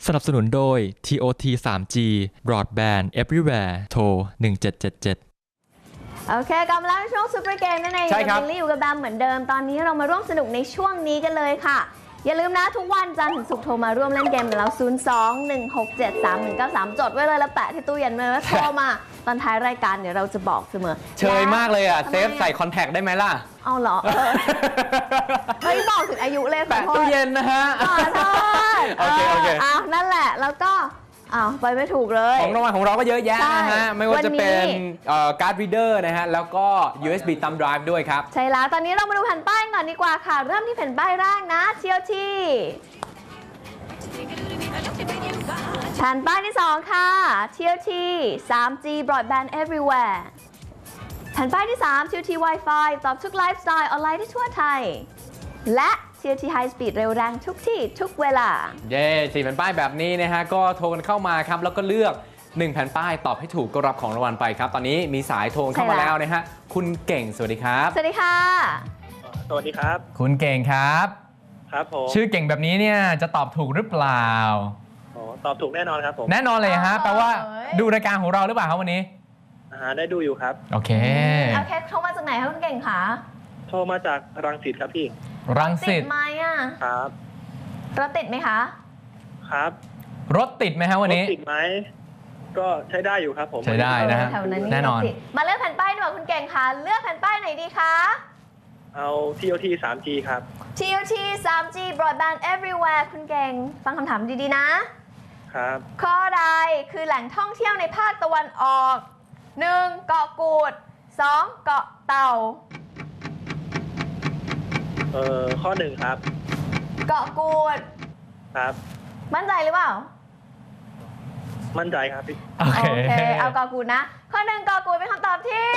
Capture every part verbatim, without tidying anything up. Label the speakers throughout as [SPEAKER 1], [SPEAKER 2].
[SPEAKER 1] สนับสนุนโดย ที โอ ที ทรี จี Broadband Everywhere โทรหนึ่งเจ็ดเจ็ดเจ็ด
[SPEAKER 2] โอเคกลับมาแล้วในช่วงซูเปอร์เกมนั่นเอง
[SPEAKER 3] ใช่ครับ
[SPEAKER 2] บิลลี่อยู่กับแบมเหมือนเดิมตอนนี้เรามาร่วมสนุกในช่วงนี้กันเลยค่ะอย่าลืมนะทุกวันจันทร์ถึงศุกร์โทรมาร่วมเล่นเกมกับเรา ศูนย์ สอง หนึ่ง หก เจ็ด สาม หนึ่ง เก้า สาม จดไว้เลยแล้วแปะที่ตู้เย็นไว้แล้วโทรมาตอนท้ายรายการเดี๋ยวเราจะบอกเสมอ
[SPEAKER 3] เชยมากเลยอ่ะเซฟใส่คอนแทคได้ไหมล่ะ
[SPEAKER 2] เอาเหรอเออเฮ้ยบอกถึงอายุเลยขอ
[SPEAKER 3] แปะ
[SPEAKER 2] โทษ
[SPEAKER 3] ตู้เย็นนะฮะ
[SPEAKER 2] ขอโทษ
[SPEAKER 3] โอเคโอเค
[SPEAKER 2] อ้าวนั่นแหละแล้วก็อ้าวไปไม่ถูกเลย
[SPEAKER 3] ของรางวัลของเราก็เยอะแยะนะฮะไม่ว่าจะเป็นการ์ดรีเดอร์นะฮะแล้วก็ ยู เอส บี thumb drive ด้วยครับ
[SPEAKER 2] ใช่แล้วตอนนี้เรามาดูแผ่นป้ายก่อนดีกว่าค่ะเริ่มที่แผ่นป้ายแรกนะ ที โอ ที แผ่นป้ายที่สองค่ะ ที โอ ที ทรี จี Broadband Everywhere แผ่นป้ายที่สาม ที โอ ที Wi-Fi ตอบทุกไลฟ์สไตล์ออนไลน์ที่ทั่วไทยและ ที โอ ที High Speed เร็วแรงทุกที่ทุกเวลา
[SPEAKER 3] เย้สี่แผ่นป้ายแบบนี้นะฮะก็โทรกันเข้ามาครับแล้วก็เลือกหนึ่งแผ่นป้ายตอบให้ถูกก็รับของรางวัลไปครับตอนนี้มีสายโทรเข้ามาแล้วนะฮะคุณเก่งสวัสดีครับ
[SPEAKER 2] สวัสดีค่ะ
[SPEAKER 4] สวัสดีครับ
[SPEAKER 3] คุณเก่งครับ
[SPEAKER 4] ครับผม
[SPEAKER 3] ชื่อเก่งแบบนี้เนี่ยจะตอบถูกหรือเปล่า
[SPEAKER 4] อ๋อตอบถูกแน่นอนครับผม
[SPEAKER 3] แน่นอนเลยฮะแปลว่าดูรายการของเราหรือเปล่าครับวันนี้
[SPEAKER 4] อ่าได้ดูอยู่ครับ
[SPEAKER 3] โอเค
[SPEAKER 2] โอเคโทรมาจากไหนคะคุณเก่งคะ
[SPEAKER 4] โทรมาจากรังสิตครับพี่
[SPEAKER 3] รังสิต
[SPEAKER 2] ติดไหมอ่ะ
[SPEAKER 4] ครับ
[SPEAKER 2] รถติดไหมคะ
[SPEAKER 4] ครับ
[SPEAKER 3] รถติดไหมฮะวันนี้
[SPEAKER 4] รถติดไหมก็ใช้ได้อยู่ครับผม
[SPEAKER 3] ใช้ได้นะฮะแน่นอน
[SPEAKER 2] มาเลือกแผ่นป้ายดีกว่าคุณเก่งค่ะเลือกแผ่นป้ายไหนดีคะ
[SPEAKER 4] เอา ที โอ ที ทรี จี ครับ
[SPEAKER 2] ที โอ ที ทรี จี Broadband Everywhere คุณเก่งฟังคำถามดีๆนะครับข้อใดคือแหล่งท่องเที่ยวในภาคตะวันออกหนึ่งเกาะกูดสองเกาะเต่า
[SPEAKER 4] เอ่อข้อหนึ่งครับ
[SPEAKER 2] เกาะกูด
[SPEAKER 4] ครับ
[SPEAKER 2] มั่นใจหรือเปล่า
[SPEAKER 4] มั่นใจครับพี่
[SPEAKER 3] โอเค
[SPEAKER 2] เอาเกาะกูดนะข้อหนึ่งเกาะกูดเป็นคำตอบที่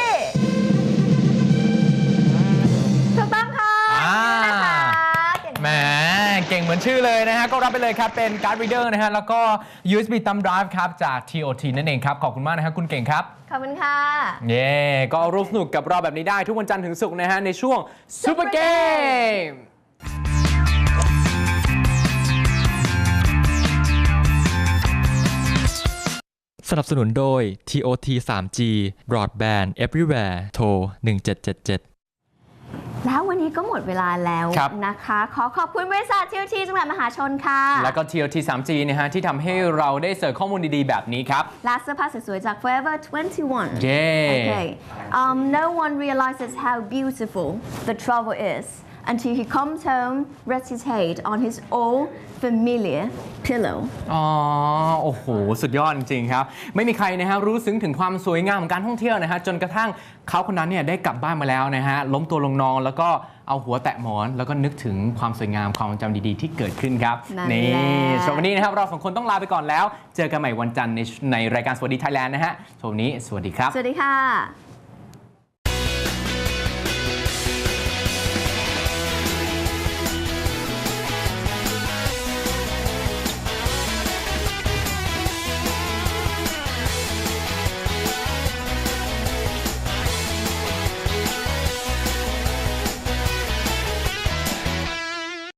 [SPEAKER 2] ถูกต้องค่ะนะคะ
[SPEAKER 3] แหมเก่งเหมือนชื่อเลยนะฮะก็รับไปเลยครับเป็นการ์ดรีเดอร์นะฮะแล้วก็ ยู เอส บี thumb drive ครับจาก ที โอ ที นั่นเองครับขอบคุณมากนะฮะคุณเก่งครับ
[SPEAKER 2] ขอบคุณค่ะ
[SPEAKER 3] เย่ก็ร่วมสนุกกับเราแบบนี้ได้ทุกวันจันทร์ถึงศุกร์นะฮะในช่วงซูเปอร์เกม
[SPEAKER 1] สนับสนุนโดย ที โอ ที ทรี จี Broadband Everywhere โทรหนึ่งเจ็ดเจ็ดเจ็ด
[SPEAKER 2] แล้ววันนี้ก็หมดเวลาแล้วนะคะขอขอบคุณบริษัท ที โอ ที จำกัดมหาชนค่ะ
[SPEAKER 3] แล้วก็ ที โอ ที ทรี จี นะฮะที่ทำให้เราได้เสิร์ฟข้อมูลดีๆแบบนี้ครับ
[SPEAKER 2] และเสื้อผ้าสวยๆจาก Forever ทเวนตี้วัน
[SPEAKER 3] เย้
[SPEAKER 2] Okay um, no one realizes how beautiful the travel is until he comes home rests his head on his old familiar pillow
[SPEAKER 3] อ๋อโอ้โหสุดยอดจริงๆครับไม่มีใครนะฮะรู้ซึ้งถึงความสวยงามของการท่องเที่ยวนะฮะจนกระทั่งเขาคนนั้นเนี่ยได้กลับบ้านมาแล้วนะฮะล้มตัวลงนอนแล้วก็เอาหัวแตะหมอนแล้วก็นึกถึงความสวยงามความจำดีๆที่เกิดขึ้นครับนี่สำหรับวันนี้นะครับเราสองคนต้องลาไปก่อนแล้วเจอกันใหม่วันจันทร์ในในรายการสวัสดีไทยแลนด์นะฮะสำหรับวันนี้สวัสดีครับ
[SPEAKER 2] สวัสดีค่ะ